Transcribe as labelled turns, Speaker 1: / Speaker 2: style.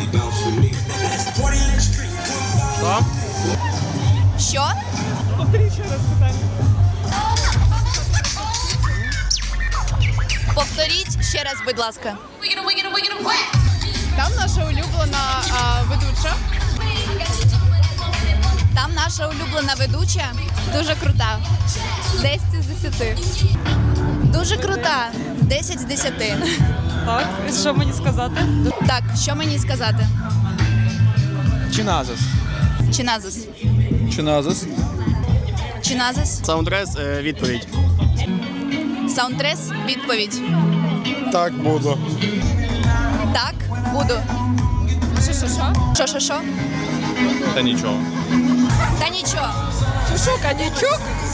Speaker 1: Що?
Speaker 2: Що?
Speaker 3: Повторіть ще раз питання.
Speaker 2: Повторіть ще раз, будь ласка.
Speaker 3: Там наша улюблена ведуча.
Speaker 2: Там наша улюблена ведуча дуже крута.
Speaker 3: 10 з 10.
Speaker 2: Дуже крута. 10 з 10.
Speaker 3: Так, і що мені сказати?
Speaker 2: Так, що мені сказати?
Speaker 1: Чиназис.
Speaker 2: Чиназис.
Speaker 1: Чиназис.
Speaker 2: Чиназис.
Speaker 4: Саундтрес, відповідь.
Speaker 2: Саундтрес. Відповідь.
Speaker 1: Так, буду.
Speaker 2: Так, буду. Що?
Speaker 1: Та нічого.
Speaker 2: Та нічого.
Speaker 3: Що, коньячок?